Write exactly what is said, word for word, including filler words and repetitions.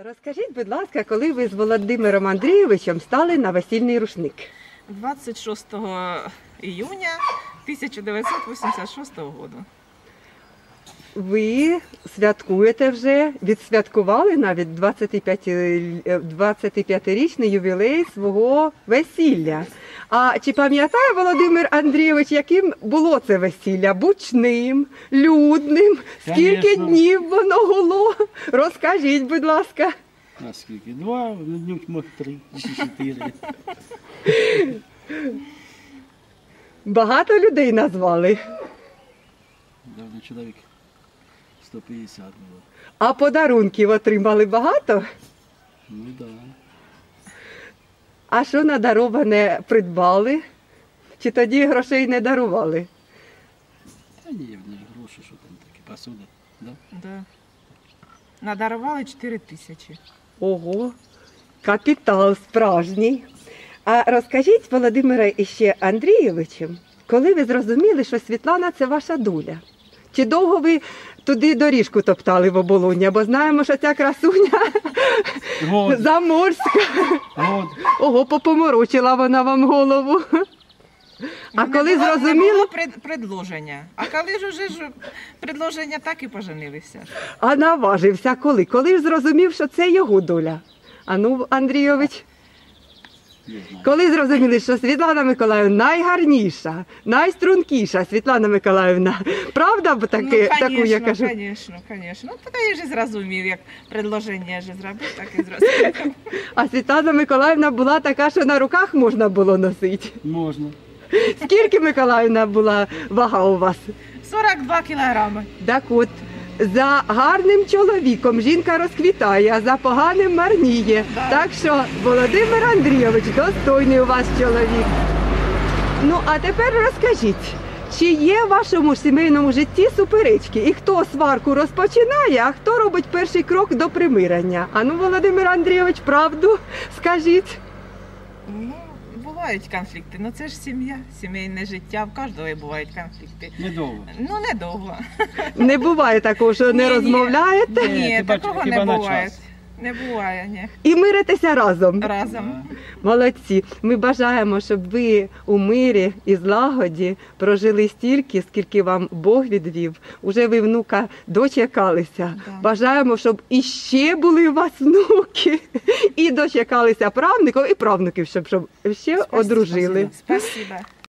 Розкажіть, будь ласка, коли ви з Володимиром Андрійовичем стали на весільний рушник? двадцять шостого июня тисяча дев'ятсот вісімдесят шостого року. Ви святкуєте вже, відсвяткували навіть двадцятип'ятирічний ювілей свого весілля. А чи пам'ятає Володимир Андрійович, яким було це весілля? Бучним, людним? Скільки Конечно. днів воно гуло? Розкажіть, будь ласка. А скільки? Два, ну днюк мог три, чи чотири. Багато людей назвали. Давно чоловік сто п'ятдесят було. А подарунків отримали багато? Ну так. Да. А що надароване придбали? Чи тоді грошей не дарували? Та ні, в них гроші, що там таке, посуда. Да? Да. Надарували чотири тисячі. Ого, капітал справжній. А розкажіть, Володимире іще Андрійовичу, коли ви зрозуміли, що Світлана – це ваша доля? Чи довго ви туди доріжку топтали в оболоння? Бо знаємо, що ця красуня Год. заморська. Год. Ого, попоморочила вона вам голову. А Не коли було- Не зрозуміло, було пред- предложення. А коли ж уже ж предложення, так і поженилися. а наважився коли? Коли ж зрозумів, що це його доля? А ну, Андрійович, Не знаю. коли зрозуміли, що Світлана Миколаївна найгарніша, найстрункіша Світлана Миколаївна, правда б таке, ну, таку я кажу? Звісно, звісно. Ну, так я ж зрозумів, як предложення ж зробив, так і зрозумів. А Світлана Миколаївна була така, що на руках можна було носити. Можна. Скільки, Миколаївна, була вага у вас? сорок два кілограми. Так от, за гарним чоловіком жінка розквітає, а за поганим марніє. Да. Так що Володимир Андрійович достойний у вас чоловік. Ну, а тепер розкажіть, чи є в вашому сімейному житті суперечки? І хто сварку розпочинає, а хто робить перший крок до примирення? А ну, Володимир Андрійович, правду скажіть. Ну, бувають конфлікти, ну це ж сім'я, сімейне життя, в кожного бувають конфлікти. Недовго. Ну, недовго. Не буває такого, що не Ні-ні. розмовляєте Ні, Ні, хіба- такого хіба не на буває. час. Не буває, ні. і миритеся разом. Разом. Молодці. Ми бажаємо, щоб ви у мирі і злагоді прожили стільки, скільки вам Бог відвів. Уже ви внука дочекалися. Да. Бажаємо, щоб іще були у вас внуки, і дочекалися правнуків, і правнуків, щоб, щоб ще одружили. Спасибо.